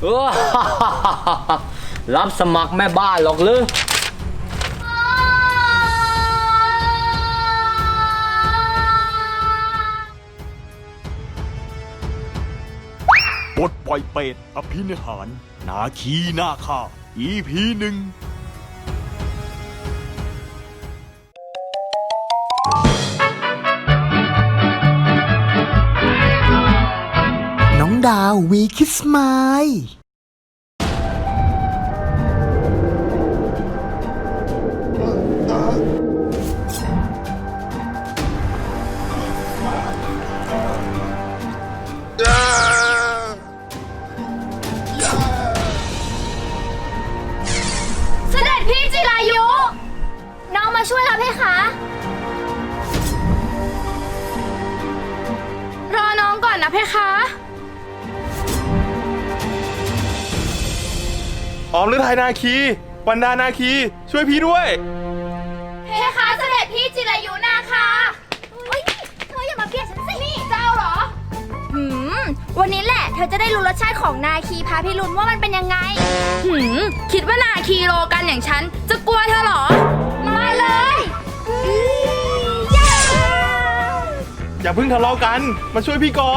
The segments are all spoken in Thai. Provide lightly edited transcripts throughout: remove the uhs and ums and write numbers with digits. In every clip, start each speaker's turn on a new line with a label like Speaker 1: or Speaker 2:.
Speaker 1: รับสมัครแม่บ้านหรอกหรือ
Speaker 2: บทปล่อยเป็ดอภินิหารนาคีนาคา EP 1
Speaker 3: น้องดาววีคิสมาย
Speaker 4: เสด็จพี่จิรายุ น้องมาช่วยเราเพคะรอน้องก่อนนะเพคะ
Speaker 5: ออมฤทัยนาคีวันดานาคีช่วยพี่ด้วย
Speaker 4: เพคะเสด็จพี่จิรายุนาคะเฮ้ยเธออย่ามาเบียดฉันสิ นี่เจ้าเหรอ วันนี้แหละเธอจะได้รู้รสชาติของนาคีพาพิรุณว่ามันเป็นยังไง คิดว่านาคีโลกันอย่างฉันจะกลัวเธอเหรอ มาเลยย่า
Speaker 5: อย่าเพิ่งทะเลาะกันมาช่วยพี่ก่อน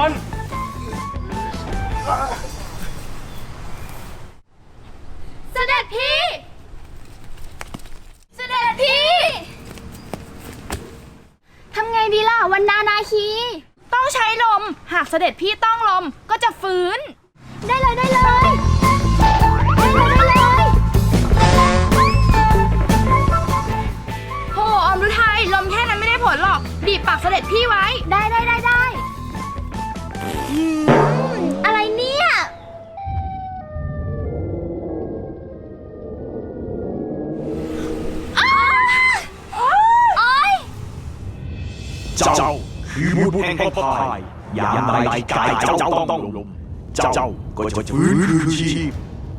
Speaker 4: เสด็จพี่ เสด็จพี่ ทำไงดีล่ะวันนานาคี ต้องใช้ลม หากเสด็จพี่ต้องลมก็จะฟื้น ได้เลยได้เลย โหอมฤทัยลมแค่นั้นไม่ได้ผลหรอก บีบปากเสด็จพี่ไว้ ได้อะไรเนี่ย
Speaker 2: เจ้าคือบุตรแห่งพระพายยามใดที่กายเจ้าต้องลมเจ้าก็จะฟื้นคืนชีพ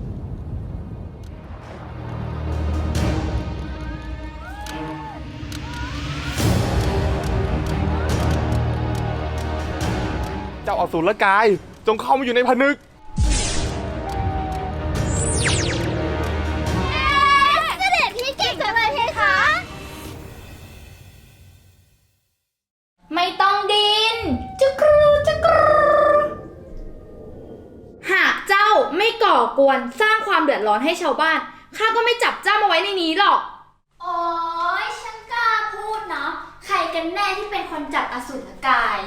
Speaker 5: เจ้าอสูรกายจงเข้ามาอยู่ในผนึก
Speaker 4: เสด็จพี่เก่งจังเลยเพคะ ไม่ต้องดินจุกรูหากเจ้าไม่ก่อกวนสร้างความเดือดร้อนให้ชาวบ้านข้าก็ไม่จับเจ้ามาไว้ในนี้หรอกโอ้ยฉันกล้าพูดเนาะใครกันแน่ที่เป็นคนจับอสูรกาย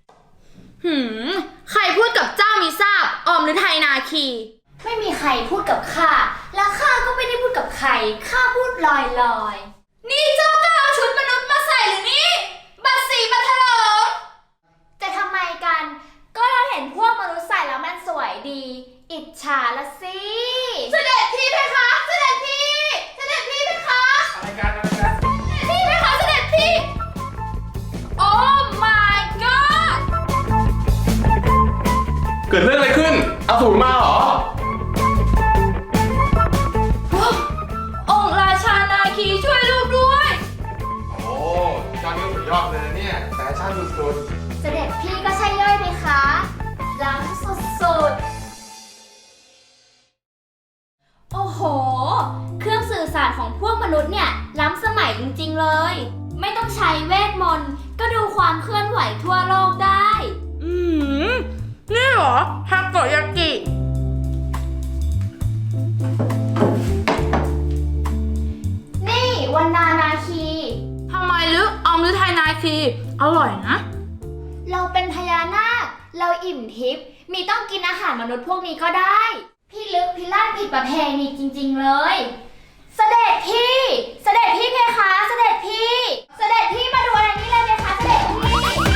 Speaker 4: ใครพูดกับเจ้ามีทราบออมฤทัยนาคีไม่มีใครพูดกับข้าและข้าก็ไม่ได้พูดกับใครข้าพูดลอยนี่เจ้าก็เอาชุดมนุษย์มาใส่หรือนี่บัตรสีบัตรเถลิงจะทำไมกันก็เราเห็นพวกมนุษย์ใส่แล้วมันสวยดี อิจฉาละสิเสด็จพี่เพคะเสด็จพี่เพคะ
Speaker 5: อะไรกัน
Speaker 4: พี่เพคะเสด็จพี่โอ้ my god
Speaker 5: เกิดเรื่องอะไรขึ้นอสูรมาเหรอ
Speaker 4: องค์ราชานาคีช่วยลูกด้วย
Speaker 5: โอ้เจ้านี่สุดยอดเลยเนี่ยแฟชั่นสุด
Speaker 4: เสด็จพี่ก็ใช่ย่อยไหมคะล้ำสุดๆโอ้โหเครื่องสื่อสารของพวกมนุษย์เนี่ยล้ำสมัยจริงๆเลยไม่ต้องใช้เวทมนต์ก็ดูความเคลื่อนไหวทั่วโลกได้นี่เหรอฮากโกยากินี่วันนานาคีทำไมลึกออมฤทัยนาคีอร่อยนะเราเป็นพญานาคเราอิ่มทิพย์มีต้องกินอาหารมนุษย์พวกนี้ก็ได้พี่ลึกพิลั่นผิดประเพณีจริงๆเลยเสด็จพี่เพคะเสด็จพี่มาดูอะไรนี่เลยเพคะเสด็จพี่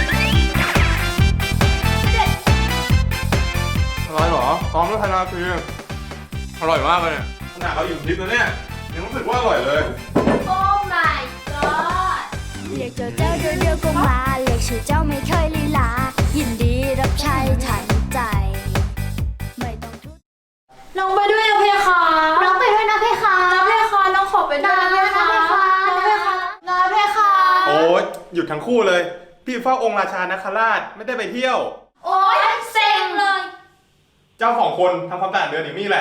Speaker 5: ๆอร่อยเหรอออมฤทัยนาคีอร่อยมากเลยเนี่ยขนาดเราอยู่ทิพย์แล้วเนี่ยยังรู้สึกว่าอร่อยเลย
Speaker 4: โอ้ my god
Speaker 6: เรียกเจ้าเดียวก็มาเรียกชื่อเจ้าไม่เคยลีลายินดีรับใช้ทันใจไม่ต้องทุก
Speaker 4: น้องไปด้วยนะเพคะน้องไปด้วยนะเพคะนะเพคะน้องขอไปด้วยนะเพคะนะเพคะ
Speaker 5: โอ้ยหยุดทั้งคู่เลย พี่เฝ้าองค์ราชานาคราชไม่ได้ไปเที่ยว
Speaker 4: โอ๊ยเซ็งเลย
Speaker 5: เจ้าของคนทำความสะอาดเดือนอย่างนี้แหละ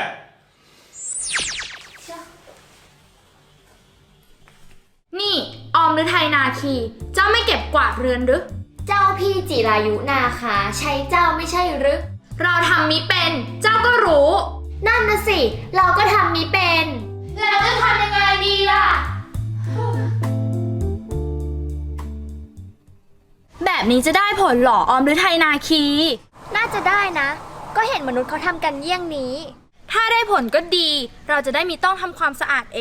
Speaker 4: นี่ออมหรือไทยนาคี เจ้าไม่เก็บกวาดเรือนหรือ
Speaker 7: เจ้าพี่จิรายุนาคาใช้เจ้าไม่ใช่หรือ
Speaker 4: เราทำมิเป็น เจ้าก็รู้
Speaker 7: นั่นนะสิ เราก็ทำมิเป็น
Speaker 4: แล้วจะทำยังไงดีล่ะ แบบนี้จะได้ผลเหรอออมหรือไทยนาคี
Speaker 7: น่าจะได้นะ ก็เห็นมนุษย์เขาทำกันเยี่ยงนี้
Speaker 4: ถ้าได้ผลก็ดี เราจะได้มีต้องทำความสะอาดเอง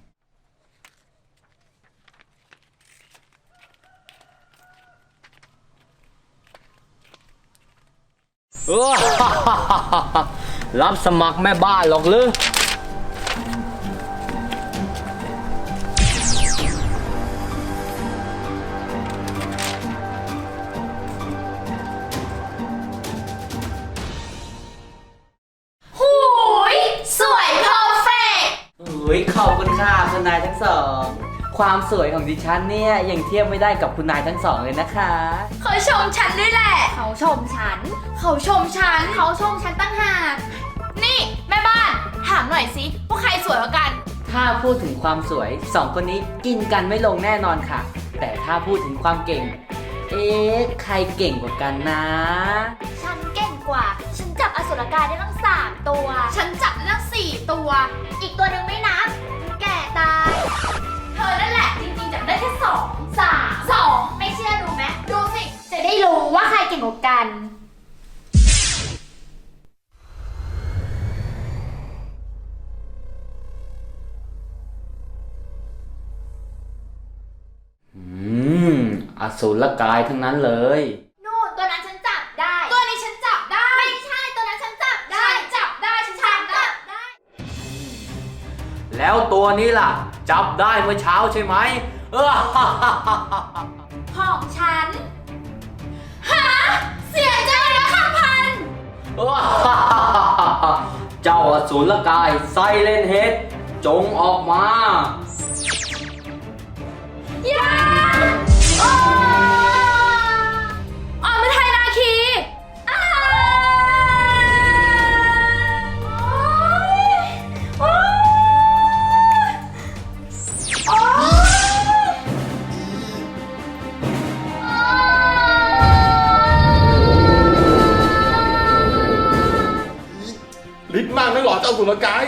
Speaker 1: รับสมัครแม่บ้านหรอกหรือ
Speaker 4: หูย สวยเพอร์เฟก
Speaker 8: ขอบคุณค่ะคุณนายทั้งสอง ความสวยของดิฉันเนี่ยยังเทียบไม่ได้กับคุณนายทั้งสองเลยนะคะ
Speaker 4: เขาชมฉันด้วยแหละ
Speaker 7: เขาชมฉัน
Speaker 4: เขาชมฉัน
Speaker 7: เขาชมฉันตั้งหาก
Speaker 4: นี่แม่บ้าน ถามหน่อยสิว่าใครสวยกว่ากัน
Speaker 8: ถ้าพูดถึงความสวยสองคนนี้กินกันไม่ลงแน่นอนค่ะ แต่ถ้าพูดถึงความเก่ง ใครเก่งกว่ากันนะ
Speaker 7: ฉันเก่งกว่า ฉันจับอสุรกายได้ตั้ง3 ตัว
Speaker 4: ฉันจับได้ตั้ง4 ตัว
Speaker 7: อีกตัวหนึ่งไม่นับ แก่ตาย
Speaker 4: เธอนั่นแหละจริงๆจับได้แค่2 3
Speaker 7: ไม่เชื่อดูไหม
Speaker 4: 2ดูสิ
Speaker 7: จะได้รู้ว่าใครเก่งกว่ากัน
Speaker 1: อสูรกายทั้งนั้นเลย
Speaker 7: นู่นตัวนั้นฉันจับได้
Speaker 4: ตัวนี้ฉันจับได้
Speaker 7: ไม่ใช่ตัวนั้นฉันจับได้
Speaker 4: ฉันจับได้ ฉันจับได้
Speaker 1: แล้วตัวนี้ล่ะ จับได้เมื่อเช้าใช่ไหม
Speaker 4: ของฉัน ฮะ เสียใจนะข้าพัน
Speaker 1: เจ้าอสูรกายไซเลนเฮดจงออกมา
Speaker 4: อย่าออมเป็นไทยนาคีอ้าโอ๊ยโอ๊ย
Speaker 5: ฤทธิ์มากนักหรอเจ้าสุรกาย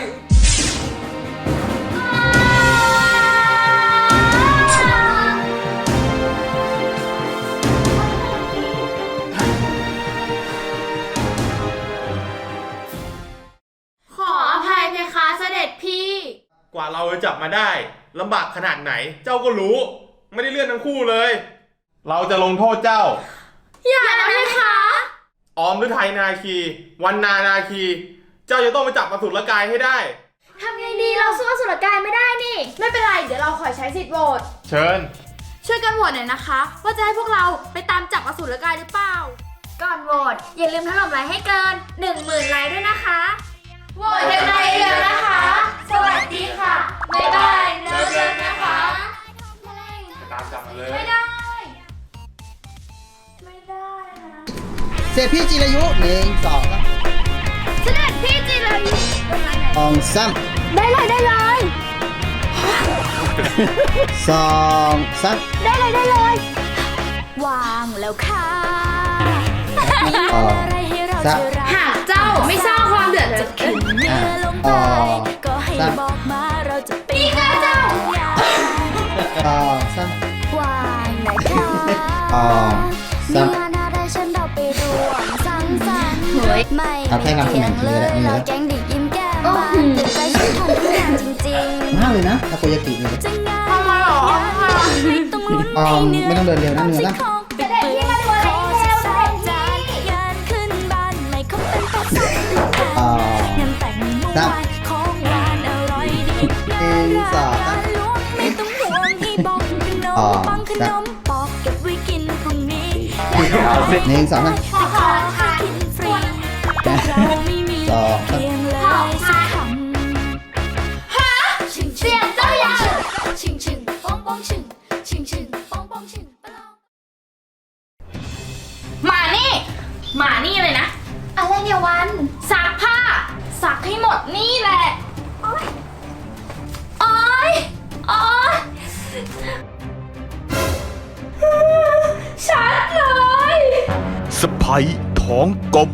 Speaker 4: ขออภัยเพคะเสด็จพี่
Speaker 5: กว่าเราจะจับมาได้ลำบากขนาดไหน เจ้าก็รู้ ไม่ได้เลื่อนทั้งคู่เลย เราจะลงโทษเจ้า
Speaker 4: อย่านะเพคะ
Speaker 5: ออมฤทัยนาคี วันนานาคี เจ้าจะต้องไปจับอสุรกายให้ได้
Speaker 7: ทำไงดีเราสู้อสุรกายไม่ได้นี่
Speaker 4: ไม่เป็นไร เดี๋ยวเราขอใช้สิทธิ์โหวต
Speaker 5: เชิญ
Speaker 4: ช่วยกันโหวตหน่อยนะคะ ว่าจะให้พวกเราไปตามจับอสูรกายหรือเปล่า
Speaker 7: ก่อนโหวตอย่าลืมถล่มไลค์ให้เกิน 10,000 ไลค์ด้วยนะคะ
Speaker 4: โหวตกันในเดือนนะคะ สวัสดีค่ะ บ๊ายบายเดือนนะคะ
Speaker 5: ตามจับมาเลย
Speaker 4: ไม่ได้ ไม่ได้นะ
Speaker 3: เสร็จพี่จิรายุ1 2
Speaker 4: เสด็จพี่จิรายุ
Speaker 3: 2 3
Speaker 7: ได้เลยได้เลย
Speaker 3: 2 3
Speaker 7: ได้เลยได้เลย
Speaker 6: วางแล้วค่ะ มี
Speaker 3: อ๋อ
Speaker 6: อะไรให้เราจะรัก
Speaker 4: หากเจ้าไม่สร้างความเดือดร้อน
Speaker 6: ขึ้นเมื่อลงไปก็ให้บอกมาเราจะไปหาทุกอย่าง
Speaker 3: 3
Speaker 6: วางนะคะ
Speaker 3: 3
Speaker 6: มีงานอะไรฉันเราไปร่วมสังสรรค์ไม่
Speaker 3: เอาแค่นำเสนอ
Speaker 6: เที่ยง
Speaker 3: ที
Speaker 6: เล
Speaker 3: ละ
Speaker 6: ย
Speaker 3: นี่
Speaker 6: เรา
Speaker 3: นะ
Speaker 6: แกงเด็กยิ้มแก้มบานตื่นใจฉันทำทุกอย่างจริง
Speaker 3: มากเลยนะทาโกยากิเลย
Speaker 6: ๆจะง่ายไม่ต้องลุ้นให้เหนื่อย
Speaker 3: ไม่ต้องเดินเร็วนะเนื้อนะ
Speaker 6: เสด็จพี่มาดูอะไรเร็วเสด็จพี่งานขึ้นบ้านไม่คบเป็นตัวสักงานแต่งเมื่อวานของหวานอร่อยดีน่ารักล้วงไม่ต้องห่วงให้บอกขนมปังขนมปอกเก็บไว้กินพรุ่งนี้
Speaker 3: 1 2 3
Speaker 6: ขอทานกินฟรีเราไม่มีเพียงเลยสักคำ
Speaker 4: เสียงเจ้าอย่าง
Speaker 6: ชิงชิงป้องป้องชิงชิงชิงป้องป้องชิง
Speaker 4: มานี่ มานี่เลยนะ
Speaker 7: อะไรเนี่ยวัน
Speaker 4: ซักผ้าสักให้หมดนี่แหละโอ๊ยโอ๊ยโอ๊ยชัดเลย
Speaker 2: สะพ้ยท้องกลม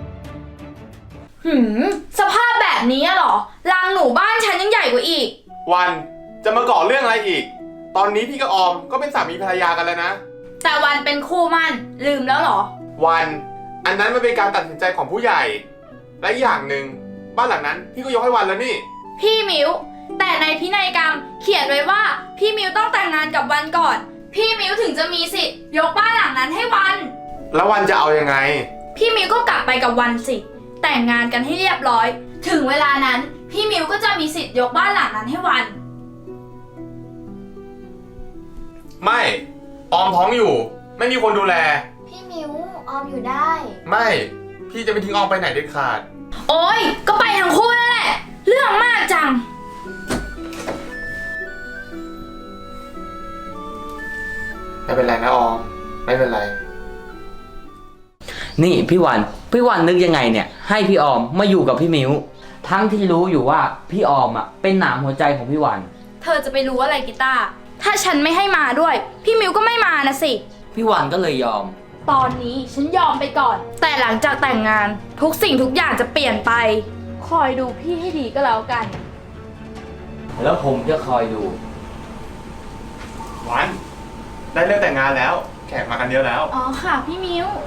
Speaker 4: สภาพแบบนี้เหรอรังหนูบ้านฉันยังใหญ่กว่าอีก
Speaker 5: วันจะมาก่อเรื่องอะไรอีก ตอนนี้พี่กับออมก็เป็นสามีภรรยากันแล้วนะ
Speaker 4: แต่วันเป็นคู่มั่นลืมแล้วเหรอ
Speaker 5: วัน อันนั้นมันเป็นการตัดสินใจของผู้ใหญ่ และอย่างหนึ่งบ้านหลังนั้นพี่ก็ยกให้วันแล้วนี่
Speaker 4: พี่มิวแต่ในพินัยกรรมเขียนไว้ว่าพี่มิวต้องแต่งงานกับวันก่อน พี่มิวถึงจะมีสิทธิ์ยกบ้านหลังนั้นให้วัน
Speaker 5: แล้ววันจะเอายังไง
Speaker 4: พี่มิวก็กลับไปกับวันสิแต่งงานกันให้เรียบร้อย ถึงเวลานั้นพี่มิวก็จะมีสิทธิ์ยกบ้านหลังนั้นให้วัน
Speaker 5: ไม่ออมท้องอยู่ ไม่มีคนดูแล
Speaker 7: พี่มิวออมอยู่ได้
Speaker 5: ไม่พี่จะไม่ทิ้งออมไปไหนเด็ดขาด
Speaker 4: โอ๊ยก็ไปทั้งคู่นั่นแหละเรื่องมากจัง
Speaker 5: ไม่เป็นไรนะออมไม่เป็นไร
Speaker 8: นี่พี่วันนึกยังไงเนี่ยให้พี่ออมมาอยู่กับพี่มิวทั้งที่รู้อยู่ว่าพี่ออมอ่ะเป็นหนามหัวใจของพี่วัน
Speaker 4: เธอจะไปรู้อะไรกีตาร์ถ้าฉันไม่ให้มาด้วยพี่มิวก็ไม่มานะสิ
Speaker 8: พี่วันก็เลยยอม
Speaker 4: ตอนนี้ฉันยอมไปก่อน แต่หลังจากแต่งงานทุกสิ่งทุกอย่างจะเปลี่ยนไป คอยดูพี่ให้ดีก็แล้วกัน
Speaker 8: แล้วผมจะคอยดู
Speaker 5: วันได้เรื่องแต่งงานแล้ว แขกมากันเยอะแล้ว
Speaker 4: อ๋อค่ะพี่มิว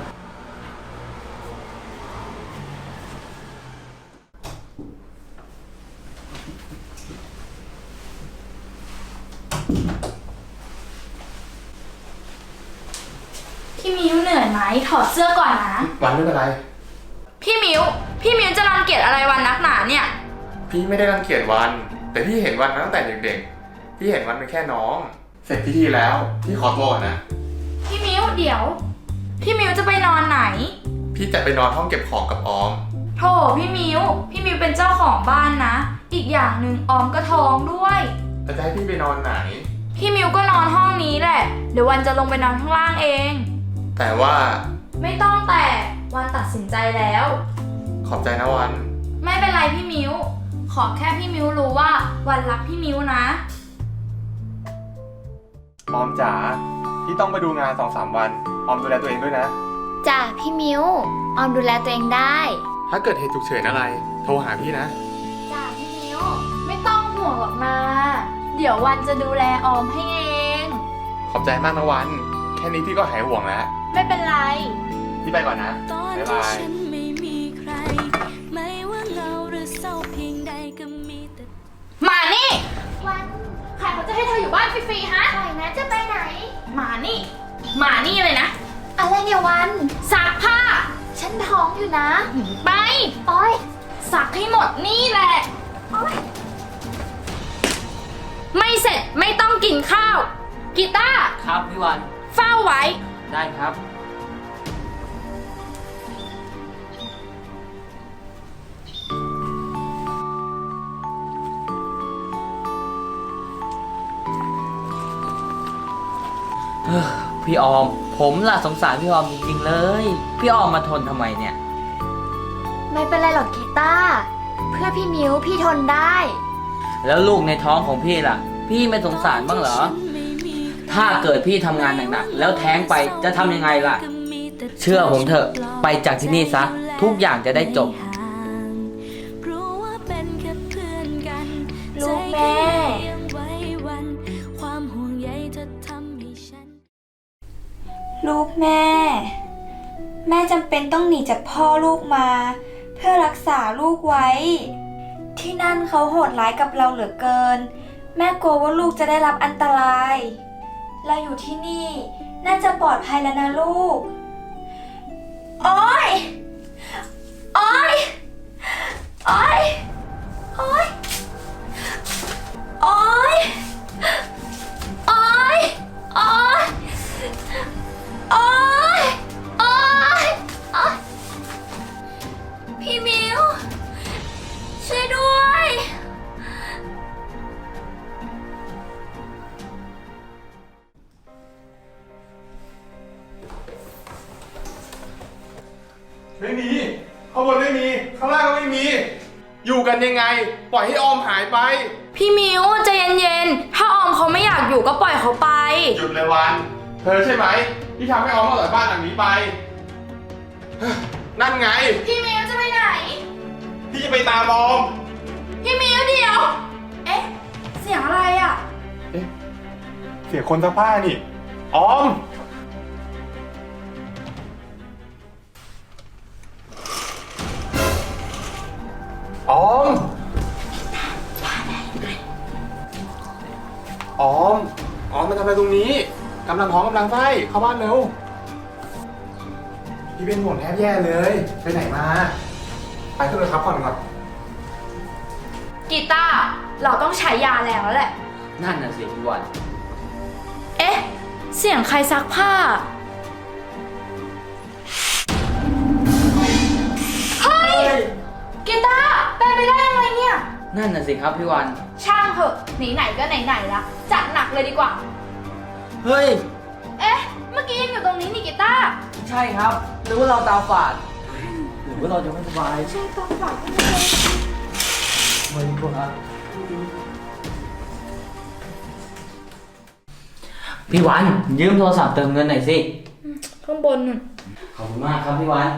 Speaker 4: พี่มิวเหนื่อยไหมถอดเสื้อก่อนนะ
Speaker 5: วันไม่เป็นไร
Speaker 4: พี่มิวจะรังเกียจอะไรวันนักหนาเนี่ย
Speaker 5: พี่ไม่ได้รังเกียจวัน แต่พี่เห็นวันมาตั้งแต่เด็กๆ พี่เห็นวันเป็นแค่น้อง เสร็จพิธีแล้วพี่ขอตัวก่อนนะ
Speaker 4: พี่มิวเดี๋ยว พี่มิวจะไปนอนไหน
Speaker 5: พี่จะไปนอนห้องเก็บของกับออม
Speaker 4: โถพี่มิวเป็นเจ้าของบ้านนะ อีกอย่างหนึ่งออมก็ท้องด้วย
Speaker 5: แล้วจะให้พี่ไปนอนไหน
Speaker 4: พี่มิวก็นอนห้องนี้แหละ เดี๋ยววันจะลงไปนอนข้างล่างเอง
Speaker 5: แต่ว่า
Speaker 4: ไม่ต้องแต่วันตัดสินใจแล้ว
Speaker 5: ขอบใจนะวัน
Speaker 4: ไม่เป็นไรพี่มิวขอแค่พี่มิวรู้ว่าวันรักพี่มิวนะ
Speaker 5: ออมจ๋า พี่ต้องไปดูงาน 2-3 วัน ออมดูแลตัวเองด้วยนะ
Speaker 7: จ้ะพี่มิวออมดูแลตัวเองได้
Speaker 5: ถ้าเกิดเหตุฉุกเฉินอะไร โทรหาพี่นะ
Speaker 7: จ้ะพี่มิว
Speaker 4: ไม่ต้องห่วงหรอกนะ เดี๋ยววันจะดูแลออมให้เอง
Speaker 5: ขอบใจมากนะวัน แค่นี้พี่ก็หายห่วงแล้ว
Speaker 4: ไม่เป็นไร
Speaker 5: พี่ไปก่อนนะ
Speaker 6: ตอน
Speaker 5: บ๊าย
Speaker 6: ที่
Speaker 5: บาย
Speaker 6: ฉันไม่มีใคร ไม่ว่าเหงาหรือเศร้าเพียงใดก็มีแต่
Speaker 4: มานี่
Speaker 7: วัน
Speaker 4: ใครเขาจะให้เธออยู่บ้านฟรีๆฮะ
Speaker 7: ปล่อยนะจะไปไหน
Speaker 4: มานี่เลยนะ
Speaker 7: อะไรเนี่ยวัน
Speaker 4: ซักผ้า
Speaker 7: ฉันท้องอยู่นะ
Speaker 4: ไป
Speaker 7: โอ๊ย
Speaker 4: ซักให้หมดนี่แหละ
Speaker 7: โอ๊ย
Speaker 4: ไม่เสร็จไม่ต้องกินข้าว กีตาร์
Speaker 8: ครับพี่วัน
Speaker 4: เฝ้าไว้
Speaker 8: ได้ครับ พี่ออม ผมล่ะสงสารพี่ออมจริงๆเลย พี่ออมมาทนทำไมเนี่ย
Speaker 7: ไม่เป็นไรหรอกกีตาร์เพื่อพี่มิวพี่ทนได้
Speaker 8: แล้วลูกในท้องของพี่ล่ะ พี่ไม่สงสารบ้างเหรอ ถ้าเกิดพี่ทำงานหนักๆแล้วแท้งไปจะทำยังไงล่ะ เชื่อผมเถอะ ไปจากที่นี่ซะ ทุกอย่างจะได้จบ
Speaker 6: รู้ว่าเป็นแค่เพื่อนกัน
Speaker 7: ลูกแม่
Speaker 6: ใจแค่ยังไว้วัน ความห่วงใยเธอทำให้ฉัน
Speaker 9: ลูกแม่ แม่จำเป็นต้องหนีจากพ่อลูกมา เพื่อรักษาลูกไว้ ที่นั่นเขาโหดร้ายกับเราเหลือเกิน แม่กลัวว่าลูกจะได้รับอันตราย เราอยู่ที่นี่น่าจะปลอดภัยแล้วนะลูก โอ๊ย โอ๊ย โอ๊ย โอ๊ย โอ๊ย
Speaker 4: โอ๊ย โอ๊ย โอ๊ย โอ๊ย โอ๊ย พี่มิว ช่วยด้วย
Speaker 5: ไม่มี ข้างบนไม่มี ข้างล่างก็ไม่มีอยู่กันยังไง ปล่อยให้ออมหายไป
Speaker 4: พี่มิวใจเย็นๆ ถ้าออมเขาไม่อยากอยู่ก็ปล่อยเขาไป
Speaker 5: หยุดเลยวัน เธอใช่ไหมที่ทำให้ออมต้องออกจากบ้านหลังนี้ไป นั่นไง
Speaker 4: พี่มิวจะไปไหน
Speaker 5: พี่จะไปตามออม
Speaker 4: พี่มิวเดี๋ยว เอ๊ะ เสียงอะไรอ่ะ
Speaker 5: เสียคนซักผ้านี่ ออม ออม ออม ออมมาทำอะไรตรงนี้ กำลังท้องกำลังไส้เข้าบ้านเร็ว พี่เป็นห่วงแทบแย่เลย ไปไหนมา ไปขึ้นเลยครับก่อน
Speaker 4: กีตาร์เราต้องใช้ยาแล้วแหละ
Speaker 8: นั่นน่ะสิพี่วัน
Speaker 4: เอ๊ะ เสียงใครซักผ้า เฮ้ย กีตาร์เป็นไปได้ยังไงเนี่ย
Speaker 8: นั่นน่ะสิครับพี่วัน
Speaker 4: ช่างเถอะไหนๆก็ไหนๆละจัดหนักเลยดีกว่า
Speaker 8: เฮ้ย
Speaker 4: เอ๊ะ เมื่อกี้ยังอยู่ตรงนี้นี่กีตาร์
Speaker 8: ใช่ครับหรือว่าเราตาฝาดหรือว่าเราจะไม่สบาย
Speaker 4: ใช่ตาฝาด
Speaker 8: ไม่รู้ครับพี่วันยืมโทรศัพท์เติมเงินหน่อยสิ
Speaker 4: ข้างบนนู่น
Speaker 8: ขอบคุณมากครับพี่วัน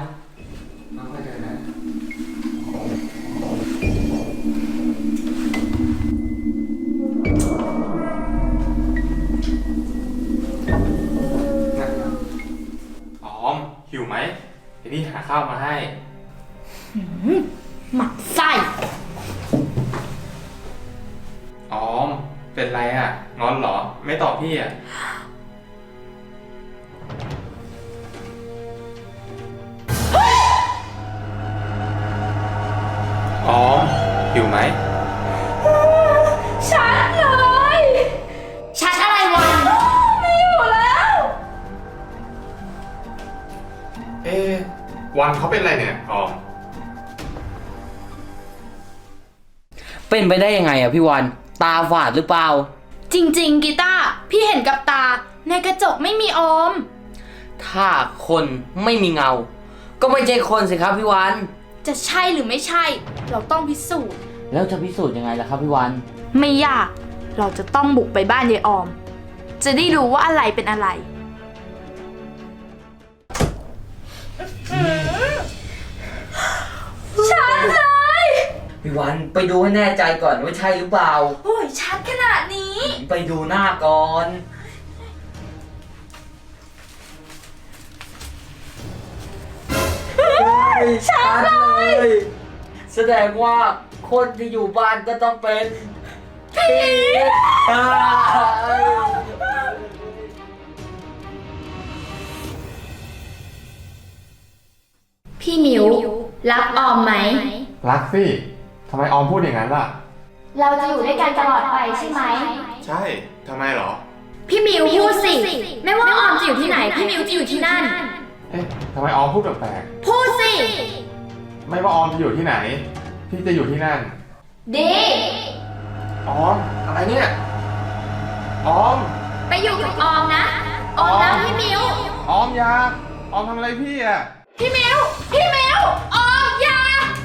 Speaker 5: ออม หิวไหมเดี๋ยวพี่หาข้าวมาให้
Speaker 4: หมักไส้
Speaker 5: ออม เป็นไรอ่ะ งอนเหรอ ไม่ตอบพี่อ่ะ ออม หิวไหม
Speaker 4: ชัดเลย ชัดอะไรวัน ไม่อยู่แล้ว
Speaker 5: วันเขาเป็นอะไรเนี่ย ออม
Speaker 8: เป็นไปได้ยังไงอะพี่วัน ตาฝาดหรือเปล่า
Speaker 4: จริงๆกีตาร์พี่เห็นกับตา ในกระจกไม่มีออม
Speaker 8: ถ้าคนไม่มีเงา ก็ไม่ใช่คนสิครับพี่วัน
Speaker 4: จะใช่หรือไม่ใช่ เราต้องพิสูจน์
Speaker 8: แล้วจะพิสูจน์ยังไงล่ะครับพี่วัน
Speaker 4: ไม่ยาก เราจะต้องบุกไปบ้านยายออม จะได้รู้ว่าอะไรเป็นอะไร ชัดเลย
Speaker 8: พี่วันไปดูให้แน่ใจก่อนว่าใช่หรือเปล่า
Speaker 4: โอ้ยชัดขนาดนี้
Speaker 8: ไปดูหน้าก่อนชัดเลย แสดงว่าคนที่อยู่บ้านก็ต้องเป็นผี
Speaker 4: พี่มิวรักออมไหม
Speaker 5: รักสิ ทำไมออมพูดอย่างนั้นล่ะ
Speaker 7: เราจะอยู่ด้วยกันตลอดไปใช่ไหม
Speaker 5: ใช่ ทำไมเหรอ
Speaker 4: พี่มิวพูดสิ ไม่ว่าออมจะอยู่ที่ไหน พี่มิวจะอยู่ที่นั่น
Speaker 5: เอ๊ะทำไมออมพูดแปลก
Speaker 4: พูดสิ
Speaker 5: ๆไม่ว่าออมจะอยู่ที่ไหน พี่จะอยู่ที่นั่น
Speaker 4: ดี
Speaker 5: ออม อะไรเนี่ย ออม
Speaker 4: ไปอยู่กับออมนะ ออมรักพี่มิว
Speaker 5: ออมอยาออมทำอะไรพี่อ่ะ
Speaker 4: พี่มิว พี่มิว ออมอย่า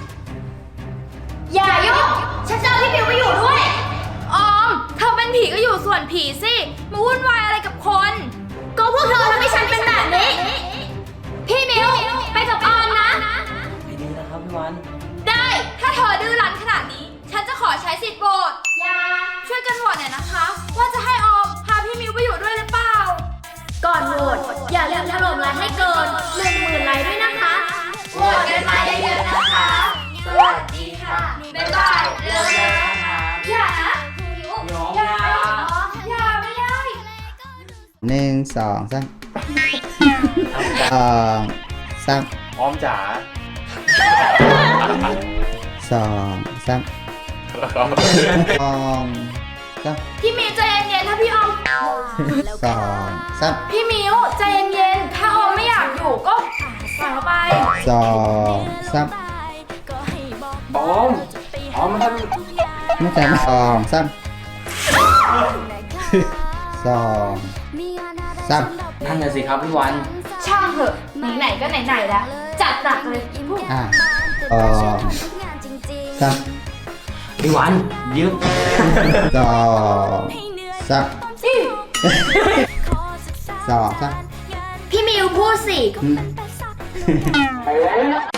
Speaker 4: อย่ายุ่งฉันจะเอาพี่มิวไปอยู่ด้วย ออมเธอเป็นผีก็อยู่ส่วนผีสิ มาวุ่นวายอะไรกับคน ก็พวกเธอทำให้ฉันเป็นแบบนี้ พี่มิว ไปกับออมนะ
Speaker 8: ไปดีนะครับพี่วัน
Speaker 4: ได้ ถ้าเธอดื้อรั้นขนาดนี้ ฉันจะขอใช้สิทธิ์โหวตอย่า ช่วยกันโหวตหน่อยนะคะ ว่าจะให้ออมพาพี่มิวไปอยู่ด้วยหรือเปล่า ก่อนโหวตอย่าลืมถล่มไลค์ให้เกิน 10,000 ไลค์ด้วยนะคะโหวตกันมาเยอะๆนะคะ สวัสดีค่ะ บ๊ายบายเร็วๆนะคะอย่านะอย่าอย่าไม่ได้
Speaker 3: 1 2 3
Speaker 5: ออมจ๋า
Speaker 3: 2 3
Speaker 4: พี่มิวใจเย็นๆถ้าพี่ออม
Speaker 3: 2 3
Speaker 4: พี่มิวใจเย็นๆถ้าออมไม่อยากอยู่ก็ปล่อยเขาไป
Speaker 3: 2 3
Speaker 5: ออม ออมมันทำ
Speaker 3: ไม่ใช่2 3 2 3
Speaker 8: นั่นน่ะสิครับพี่วัน
Speaker 4: ช่างเถอะไหนๆก็ไหนๆแล้วจัดหนักเลยพวก
Speaker 3: 2 3 สาม
Speaker 8: ไอ้หวานยืม
Speaker 3: สองสามสองสาม
Speaker 4: พี่มิวพูดสิ
Speaker 3: อืม